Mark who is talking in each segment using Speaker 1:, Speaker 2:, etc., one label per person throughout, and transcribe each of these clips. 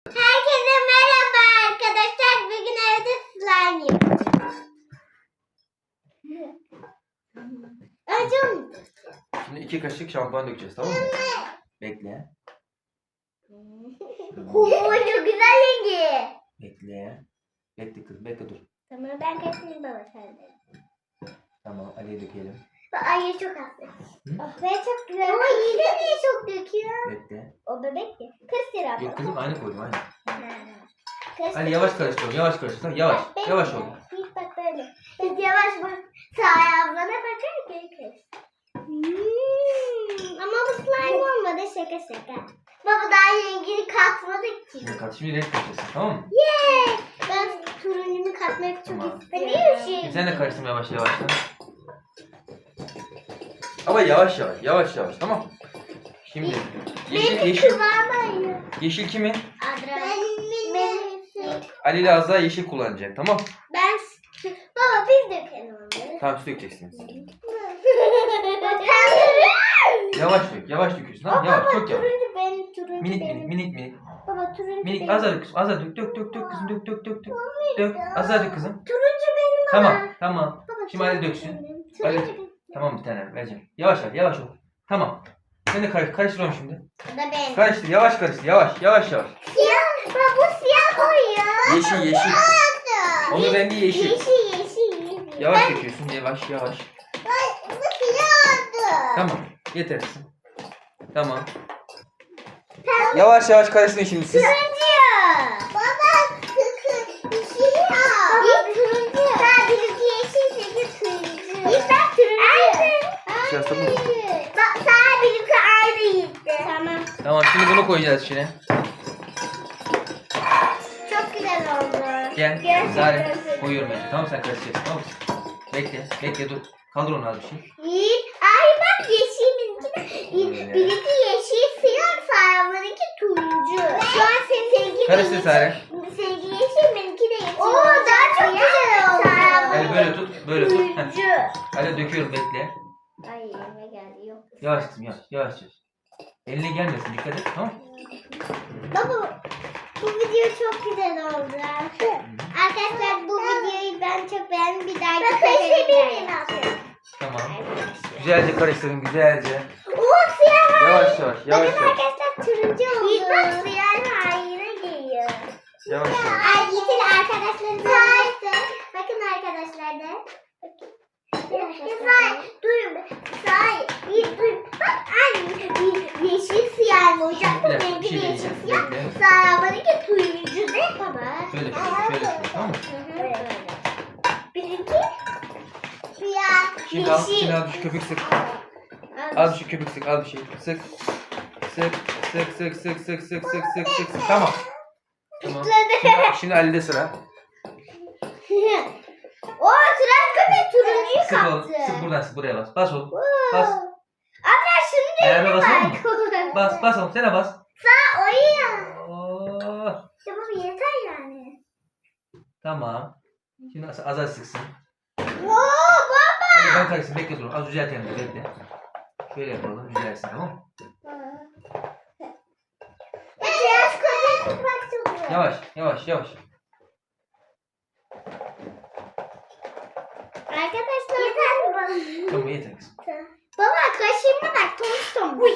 Speaker 1: Herkese merhaba arkadaşlar. Bugün evde slime yapacağız. Önce onu
Speaker 2: Şimdi 2 kaşık şampuan dökeceğiz, tamam mı? Bekle.
Speaker 1: Oo, çok güzel rengi.
Speaker 2: Bekle. Bekle kızım, bekle dur.
Speaker 1: Tamam, ben kaçayım baba sende.
Speaker 2: Tamam, Ali'ye dökelim.
Speaker 1: Ay çok hafif. Oh be, çok güzel. Ama yine niye çok döküyor?
Speaker 2: Bekle.
Speaker 1: O bebek ya. Kır sıra.
Speaker 2: Yok kızım, aynı koydum, aynı.
Speaker 1: Kır
Speaker 2: Ali yavaş karıştır, yavaş karıştır. Tamam, yavaş. Yavaş ol.
Speaker 1: İlk bak böyle. Biz yavaş bak. Sağ ablana bakar geri kır. Ama bu slime olmadı, şaka şaka. Baba daha rengini katmadık ki.
Speaker 2: Şimdi kat, şimdi renk kaçırsın, tamam mı?
Speaker 1: Yeah! Ben turuncunu katmak çok
Speaker 2: Tamam.
Speaker 1: istiyorum.
Speaker 2: Şimdi sen de karıştırma yavaş yavaş. Ama yavaş yavaş, yavaş yavaş, tamam. Şimdi yeşil
Speaker 1: Kıvamı.
Speaker 2: yeşil kimin?
Speaker 1: Benim.
Speaker 2: Ali ile Azra yeşil kullanacak, tamam?
Speaker 1: Ben. Baba biz dökelim onları.
Speaker 2: Tamam, siz dökeceksiniz. Yavaş dök, yavaş döküyorsun, tamam? Yavaş, çok yavaş.
Speaker 1: Turuncu benim, turuncu
Speaker 2: Minik
Speaker 1: benim.
Speaker 2: minik, minik minik.
Speaker 1: Baba turuncu
Speaker 2: Minik,
Speaker 1: benim.
Speaker 2: Azra dök, Azra dök, dök kızım, dök dök. Dök, Azra dök kızım.
Speaker 1: Turuncu benim ama.
Speaker 2: Tamam.
Speaker 1: Baba,
Speaker 2: Şimdi Ali
Speaker 1: turuncu
Speaker 2: döksün.
Speaker 1: benim.
Speaker 2: Ali.
Speaker 1: Turuncu benim.
Speaker 2: Tamam, bir tane vereceğim. Yavaş ver, yavaş ol. Tamam. Sen de karıştırıyorum şimdi.
Speaker 1: Bu da benim.
Speaker 2: Karıştır, yavaş karıştır, yavaş, yavaş yavaş.
Speaker 1: Siyah. Baba bu siyah koyuyor.
Speaker 2: Yeşil, yeşil. Onun rengi yeşil.
Speaker 1: Yeşil.
Speaker 2: Yavaş döküyorsun, yavaş, yavaş.
Speaker 1: Bu siyah oldu.
Speaker 2: Tamam, yetersin. Tamam. Yavaş yavaş karıştırın şimdi siz.
Speaker 1: Turuncu. Baba siyah. Baba turuncu. Ben birisi yeşil, birisi turuncu. Ben turuncu.
Speaker 2: Siyah sabun.
Speaker 1: Bak sana birisi aynı gitti. Tamam.
Speaker 2: Tamam, şimdi bunu koyacağız içine.
Speaker 1: Çok güzel oldu.
Speaker 2: Gel,
Speaker 1: Gerçekten
Speaker 2: Zare.
Speaker 1: çok
Speaker 2: Koyuyorum
Speaker 1: güzel.
Speaker 2: ben. Tamam, sen karıştıracaksın, tamam mı? Bekle dur. Kaldır onu az bir şey.
Speaker 1: Ay bak yeşilinkine. Birisi yeşil siyah, Sara'nınki turuncu. Şu an seninki
Speaker 2: Karıştır Sare.
Speaker 1: Seninki yeşil, benimki de yeşil. Oo daha çok güzel oldu.
Speaker 2: Ali böyle tut, böyle tut. Heh.
Speaker 1: Turuncu.
Speaker 2: Ali döküyorum, bekle.
Speaker 1: Ay elime geldi, yok.
Speaker 2: Yavaş kızım, yavaş, yavaş. Eline gelmesin, dikkat et, tamam mı?
Speaker 1: Baba bu video çok güzel oldu. Arkadaşlar bu videoyu ben çok beğendim. Bir dahaki sefere
Speaker 2: Tamam. Güzelce karıştırın, güzelce.
Speaker 1: Oo siyah.
Speaker 2: Yavaş yavaş, yavaş
Speaker 1: Bakın
Speaker 2: yavaş.
Speaker 1: arkadaşlar turuncu oldu. Bak siyah haline geliyor.
Speaker 2: Yavaş yavaş.
Speaker 1: Ay yeter arkadaşlarım. Bakın arkadaşlar da. Say, durun. Say, dur. Bak anne, yeşil siyah mı olacak? Bu
Speaker 2: Bir dakika,
Speaker 1: rengi
Speaker 2: bir şey
Speaker 1: yeşil
Speaker 2: diyeceğim,
Speaker 1: siyah.
Speaker 2: bekle.
Speaker 1: Sarımanınki turuncu değil baba.
Speaker 2: Şöyle şöyle, tamam mı?
Speaker 1: Böyle. Benimki siyah,
Speaker 2: Şimdi al,
Speaker 1: yeşil.
Speaker 2: şimdi al şu köpük sık. Al şu köpük sık, al bir şey. Sık. Sık. Tamam. Tamam. Şimdi Ali'de sıra.
Speaker 1: O tıraş köpek turuncuyu
Speaker 2: Sık oğlum.
Speaker 1: kaptı.
Speaker 2: Sık buradan sık, buraya bas. Bas oğlum. Bas.
Speaker 1: Abla şunu
Speaker 2: Ayağına
Speaker 1: da
Speaker 2: basar
Speaker 1: bak.
Speaker 2: mı? Bas oğlum, sen de bas.
Speaker 1: Sağ oyun.
Speaker 2: Oo.
Speaker 1: İşte bu yeter yani.
Speaker 2: Tamam. Şimdi az sıksın.
Speaker 1: Oo baba.
Speaker 2: Hadi ben karışsın, bekle dur. Az düzeltelim de, bekle. Şöyle yapalım, düzelsin, tamam mı?
Speaker 1: Tıraş köpek sıkmak çok zor.
Speaker 2: Yavaş.
Speaker 1: Arkadaşlar yeter mi bana?
Speaker 2: Tamam, yeter kızım.
Speaker 1: Baba kaşığıma bak, tomuş.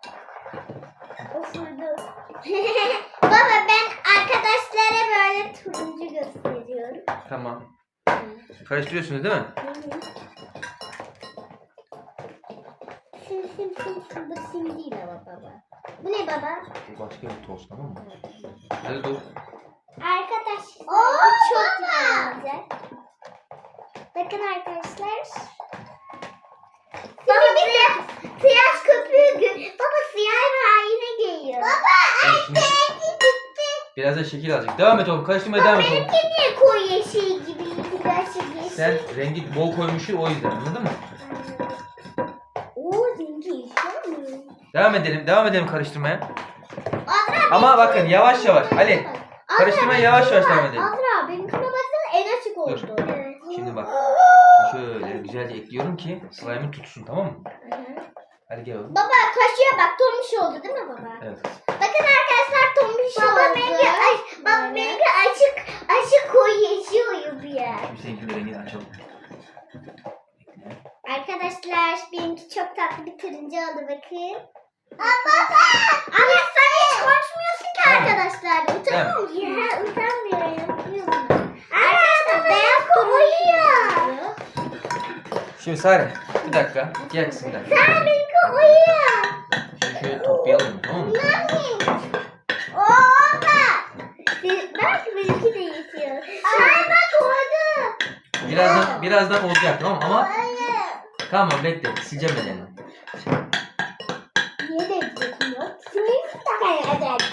Speaker 1: Osurdu. Baba ben arkadaşlara böyle turuncu gösteriyorum.
Speaker 2: Tamam. Karıştırıyorsunuz değil mi?
Speaker 1: Sim. Bu sim değil ama baba. Bu ne baba?
Speaker 2: Bu başka bir toz, tamam mı? Hadi dur.
Speaker 1: Arkadaşlar bu çok güzel olacak. Bakın arkadaşlar. Baba bir de tıraş köpüğü. Baba siyah haline geliyor. Baba
Speaker 2: Şimdi biraz da şekil alacak. Devam et oğlum, karıştırmaya devam et oğlum.
Speaker 1: benimki niye koyu yeşil gibi tıraş yeşil?
Speaker 2: Sen rengi bol koymuşsun, o yüzden, anladın mı?
Speaker 1: Oo rengi yeşil mi?
Speaker 2: Devam edelim karıştırmaya.
Speaker 1: Azra
Speaker 2: Ama bakın yavaş. Ali, karıştırmaya yavaş devam edelim.
Speaker 1: Azra benimkine baksana en açık oldu.
Speaker 2: Dur. Şimdi bak. Şöyle güzelce ekliyorum ki slime'ı tutsun, tamam mı? Hadi gel oğlum.
Speaker 1: Baba kaşığa bak, tombiş oldu değil mi baba?
Speaker 2: Evet.
Speaker 1: Bakın arkadaşlar tombiş oldu. Baba
Speaker 2: Şimdi seninkinin de rengini açalım. Bekle.
Speaker 1: Arkadaşlar benimki çok tatlı bir turuncu oldu bakın. Baba! Ama sen hiç konuşmuyorsun ki arkadaşlar. Utanmıyor musun? Ya utanmıyorum. Arkadaşlar beyaz uyuyor.
Speaker 2: Şimdi Sare bir dakika. Gel kızım bir dakika.
Speaker 1: Sen benimki uyuyor.
Speaker 2: Şimdi şöyle toplayalım tamam mı?
Speaker 1: Oo bak. Belki benimki de yetiyor. Ay bak oldu.
Speaker 2: Birazdan olacak tamam mı? Ama tamam bekle. Sileceğim ben elini.
Speaker 1: Niye de yetiyor? Simim takacak.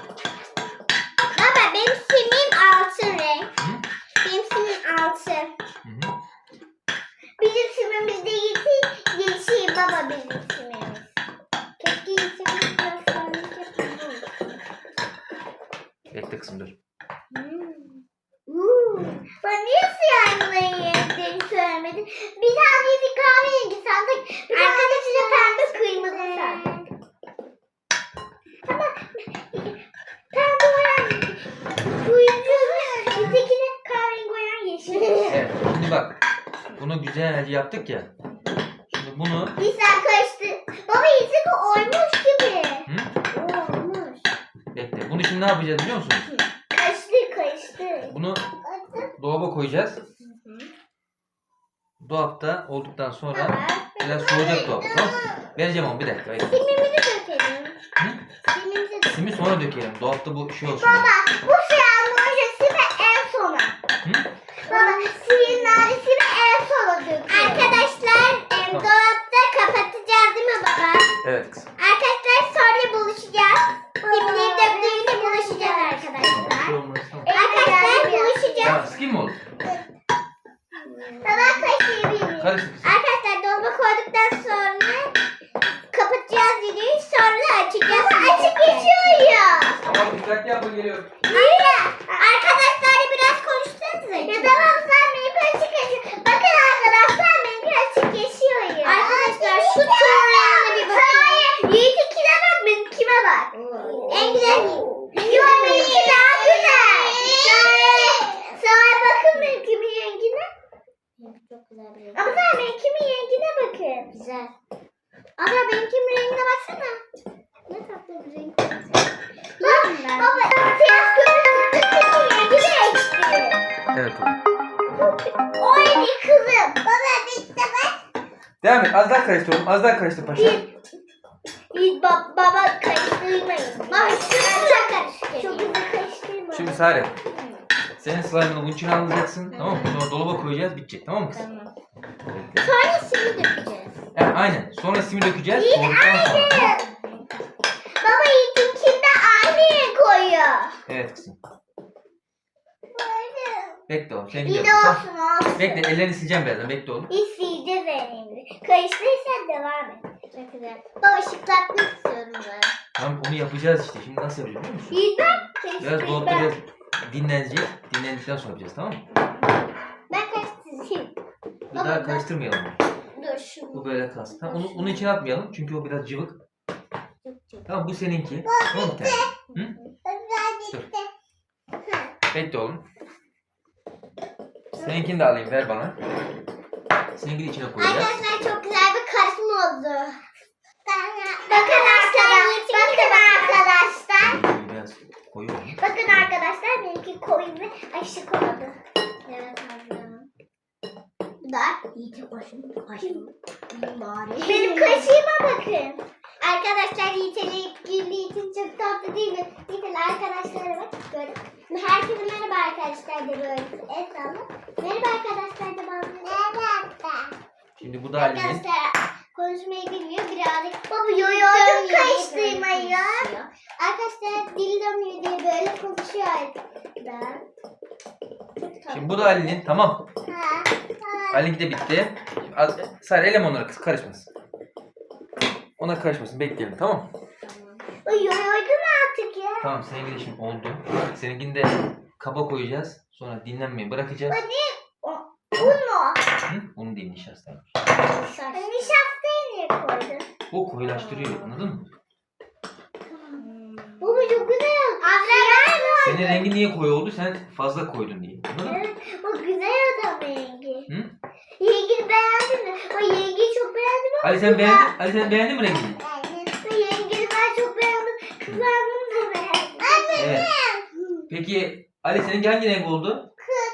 Speaker 1: Baba benim simim altın renk.
Speaker 2: Hı?
Speaker 1: Benim simim altın.
Speaker 2: Hı hı.
Speaker 1: Bizim simimiz de yeşil baba bizim simimiz. Keşke yeşilimiz göstermiş.
Speaker 2: Bekle kızım dur.
Speaker 1: Bana niye siyahların renklerini söylemedin? Bir tanesi kahverengi sandık. Arkadaşı da pembe kırmızı sandık. Ama pembe olan turuncu, bizdekine kahverengi olan yeşil.
Speaker 2: Evet şimdi bak. Bunu güzelce yaptık ya. Şimdi bunu
Speaker 1: Bir sen karıştı. Baba yeşil oymuş gibi.
Speaker 2: hı?
Speaker 1: Olmuş.
Speaker 2: Bekle. Bunu şimdi ne yapacağız biliyor musunuz?
Speaker 1: Karıştı.
Speaker 2: Bunu dolaba koyacağız. Dolapta olduktan sonra biraz soğuyacak dolapta tamam mı? Vereceğim onu bir dakika. Bekle.
Speaker 1: Simimizi dökelim.
Speaker 2: Hı?
Speaker 1: Simimizi dökelim.
Speaker 2: Simi sonra dökelim. Dolapta bu şey olsun.
Speaker 1: Baba bu siyahın ojesini en sona.
Speaker 2: Hı?
Speaker 1: Baba siyahın naresini en sona dökelim. Arkadaşlar dolapta kapatacağız değil mi baba?
Speaker 2: Evet kızım.
Speaker 1: Arkadaşlar sonra buluşacağız. Simleri döktüğümüzde buluşacağız arkadaşlar. Arkadaşlar buluşacağız.
Speaker 2: Tamam sıkayım mı oğlum?
Speaker 1: Baba kaşıyabilir miyim?
Speaker 2: Karıştır kızım.
Speaker 1: Arkadaşlar dolaba koyduktan sonra kapatacağız videoyu sonra açacağız. Açık geçiyor ya.
Speaker 2: Tamam dikkatli yapın geliyorum.
Speaker 1: Aynen. Arkadaşlarla biraz konuşsanıza. Ya tamam sen benimki açık geçiyor. Bakın arkadaşlar benimki açık geçiyor ya. Arkadaşlar şu turlarına bir bakın. Hayır. Yiğit'inkine bak benimkime bak. En güzel. Yok benimki daha güzel. Sana bakın benimkimin rengine. Çok güzel bir renk. Ama sen benimkimin rengine bakın. Güzel. Ama benimkimin rengine baksana. Ne tatlı bir renk. Baba siyah gözlüğün rengi değişti.
Speaker 2: Evet oğlum.
Speaker 1: O eli kızım. Baba bitti bak.
Speaker 2: Devam et. Az daha karıştır oğlum. Az daha karıştır paşa.
Speaker 1: Baba karıştırmayın. Baba şunu karıştırmayın. Çok güzel karıştırmayın.
Speaker 2: Şimdi Sare. Senin slime'ını bunun içine alacaksın. Tamam mı? Sonra dolaba koyacağız. Bitecek. Tamam mı kızım?
Speaker 1: Tamam.
Speaker 2: Bekle.
Speaker 1: Sonra simi dökeceğiz.
Speaker 2: Yani aynen. Sonra simi dökeceğiz. Soğuduktan sonra.
Speaker 1: Baba Yiğit'inkinde aynı renk koyuyor.
Speaker 2: Evet kızım. Bekle oğlum. Sen
Speaker 1: İyi de
Speaker 2: gidiyorsun.
Speaker 1: olsun olsun.
Speaker 2: Bekle. Ellerini sileceğim birazdan. Bekle oğlum.
Speaker 1: İsteyeceğiz önemli. Karıştırırsan devam et. Çok güzel. Baba şıklatmak istiyorum ben.
Speaker 2: Tamam onu yapacağız işte. Şimdi nasıl yapacağız biliyor musun?
Speaker 1: Yiğit ben
Speaker 2: Biraz
Speaker 1: karıştırayım
Speaker 2: dolapta
Speaker 1: ben.
Speaker 2: biraz dinlenecek. Dinlendikten sonra yapacağız tamam mı?
Speaker 1: Ben karıştırayım.
Speaker 2: Bir daha karıştırmayalım.
Speaker 1: Dur şunu.
Speaker 2: Bu böyle kalsın. Tamam onu içine atmayalım. Çünkü o biraz cıvık. Tamam bu seninki. Tamam bir tane. Hı? Dur. Bekle oğlum. Seninkini de alayım ver bana. Seninkini içine koyacağız.
Speaker 1: Arkadaşlar çok güzel bir karışım oldu. Bakın arkadaşlar. Bakın arkadaşlar.
Speaker 2: Biraz koyu oldu.
Speaker 1: Bakın arkadaşlar benimki koyu ve aşık oldu. Evet ablam. Bu da Yiğit'in kaşığım. Benim kaşığıma bakın. Arkadaşlar Yiğit'in çok tatlı değil mi? Yiğit'in arkadaşlara bak. Böyle. Herkese merhaba arkadaşlar de böyle. Esnafı. Merhaba arkadaşlar de bazı. Merhaba.
Speaker 2: Şimdi bu da Ali'nin.
Speaker 1: Arkadaşlar konuşmayı bilmiyor birazcık. Baba yoyordum karıştırmayı. Arkadaşlar dil dönmüyor diye böyle konuşuyor arkadaşlar.
Speaker 2: Şimdi bu da Ali'nin. Tamam.
Speaker 1: Ha.
Speaker 2: Ali'ninki de bitti. Sadece elem onlara kız karışmasın. Ona karışmasın. Bekleyelim tamam mı?
Speaker 1: Yoyordum artık ya.
Speaker 2: Tamam seninki de şimdi oldu. Seninkini de kaba koyacağız. Sonra dinlenmeyi bırakacağız.
Speaker 1: Un mu?
Speaker 2: Hı? Onu değil nişastaymış.
Speaker 1: Nişastayı niye koydun?
Speaker 2: O koyulaştırıyor anladın mı?
Speaker 1: Bu mu çok güzel? Siyah mı
Speaker 2: Senin rengi niye koyu oldu? Sen fazla koydun diye. Anladın mı?
Speaker 1: Evet, o güzel adam rengi.
Speaker 2: Hı?
Speaker 1: Yengeyi beğendin mi? O yengeyi çok beğendim ama
Speaker 2: Ali sen beğendin mi rengini?
Speaker 1: o yengeyi ben çok beğendim. Kızardım da beğendim. Anne.
Speaker 2: Evet. Peki Ali seninki hangi renk oldu?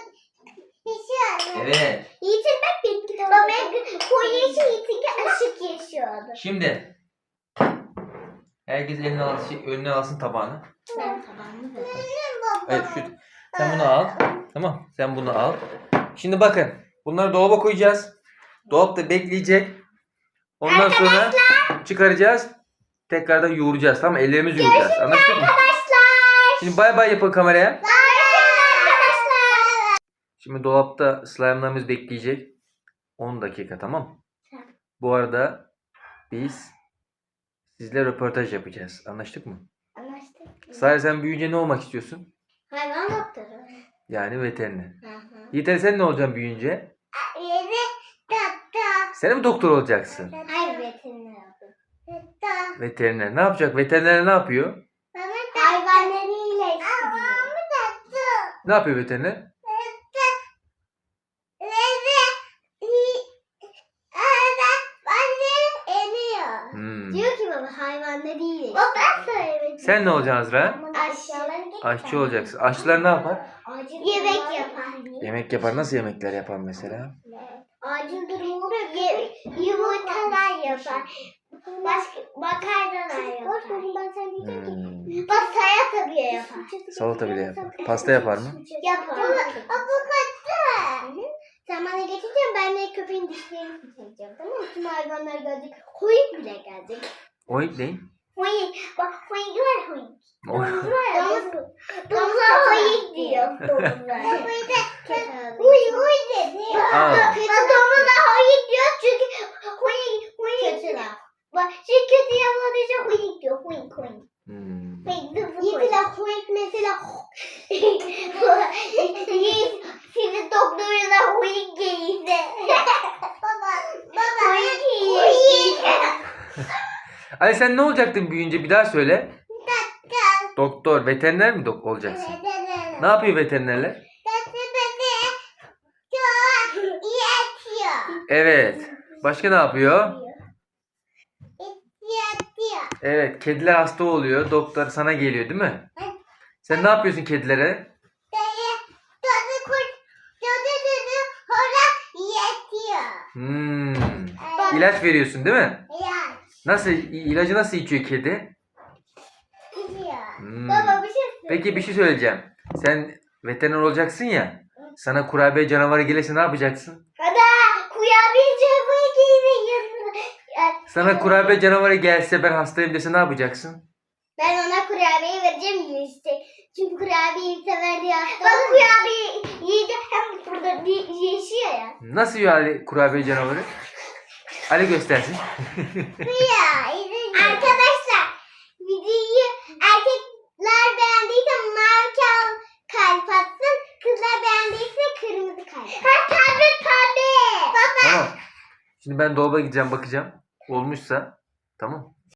Speaker 2: Evet.
Speaker 1: Yiğit'in bak benimki de oldu. Ben koyu yeşil, Yiğit'inki aşık yeşil.
Speaker 2: Şimdi herkes önüne alsın tabağını.
Speaker 1: Ben tabağımı da.
Speaker 2: Evet sen bunu al. Tamam. Sen bunu al. Şimdi bakın. Bunları dolaba koyacağız. Dolapta bekleyecek. Ondan sonra çıkaracağız. Tekrardan yoğuracağız. Tamam mı? Ellerimizi yoğuracağız. Anlaştık mı?
Speaker 1: Arkadaşlar.
Speaker 2: Şimdi bay bay yapın kameraya.
Speaker 1: Arkadaşlar.
Speaker 2: Şimdi dolapta slime'larımız bekleyecek. 10 dakika tamam. Bu arada biz sizle röportaj yapacağız. Anlaştık mı?
Speaker 1: Anlaştık.
Speaker 2: Sare sen büyüyünce ne olmak istiyorsun?
Speaker 1: Hayvan doktoru.
Speaker 2: Yani veteriner.
Speaker 1: Hı hı.
Speaker 2: Yeter sen ne olacaksın büyüyünce?
Speaker 1: Yeni doktor.
Speaker 2: Sen mi doktor olacaksın?
Speaker 1: Hayır veteriner oldu. Doktor.
Speaker 2: Veteriner. Ne yapacak? Veteriner ne yapıyor?
Speaker 1: Hayvanları iyileştiriyor.
Speaker 2: Ne yapıyor veteriner? Hmm.
Speaker 1: Diyor ki baba hayvanları iyileştiriyor. O ben söylemedim.
Speaker 2: Sen ne olacaksın Azra?
Speaker 1: Aşçıları
Speaker 2: Aşçı olacaksın. Aşçılar ne yapar?
Speaker 1: Yemek yapar.
Speaker 2: Yemek yapar. Nasıl yemekler yapar mesela?
Speaker 1: Acil durum oluyor. Yumurtalar yapar. Başka makarnalar yapar. Ben sen diyeceğim ki. Bak salata bile yapar.
Speaker 2: Salata bile yapar. Pasta yapar mı?
Speaker 1: Yapar. Avukatı. Sen bana geçeceksin, ben de köpeğin dişlerini fırçalayacağım, tamam mı? Tüm hayvanlar gelecek, hoyuk bile gelecek.
Speaker 2: Oink ne?
Speaker 1: Hoyuk, bak hoyuk var hoyuk.
Speaker 2: O-
Speaker 1: Domuz var ya, domuzlar hoyuk diyor, domuzlar. Huy huy dedi.
Speaker 2: Aa.
Speaker 1: Bak domuzlar hoyuk diyor çünkü hoyuk. Kötü laf. Bak şu kötü yapmadığı için hoyuk diyor, hoyuk hoyuk.
Speaker 2: Hmm.
Speaker 1: Mesela hoyuk mesela. Senin doktoruna hoyuk gelirse. Baba. Hoyuk.
Speaker 2: Ali sen ne olacaktın büyüyünce bir daha söyle. Doktor, veteriner mi olacaksın? Ne yapıyor veterinerler? Evet. Başka ne yapıyor? Evet, kediler hasta oluyor. Doktor sana geliyor değil mi? Sen ne yapıyorsun kedilere? Hmm. İlaç veriyorsun değil mi? Nasıl ilacı nasıl içiyor kedi? Hmm.
Speaker 1: Baba bir şey söyle.
Speaker 2: Peki bir şey söyleyeceğim. Sen veteriner olacaksın ya. Sana kurabiye canavarı gelirse ne yapacaksın?
Speaker 1: Hadi kurabiye cevabı giymeyin.
Speaker 2: Sana kurabiye canavarı gelse ben hastayım dese ne yapacaksın?
Speaker 1: Ben ona kurabiye vereceğim yiyecek. Çünkü kurabiyeyi sever diye hasta. Bak kurabiye yiyecek hem burada yaşıyor ya.
Speaker 2: Nasıl yiyor Ali kurabiye canavarı? Ali göstersin.
Speaker 1: Arkadaşlar videoyu erkekler beğendiyse mavi kalp atsın. Kızlar beğendiyse kırmızı kalp. Tabii. Baba.
Speaker 2: Tamam. Şimdi ben dolaba gideceğim bakacağım. Olmuşsa tamam.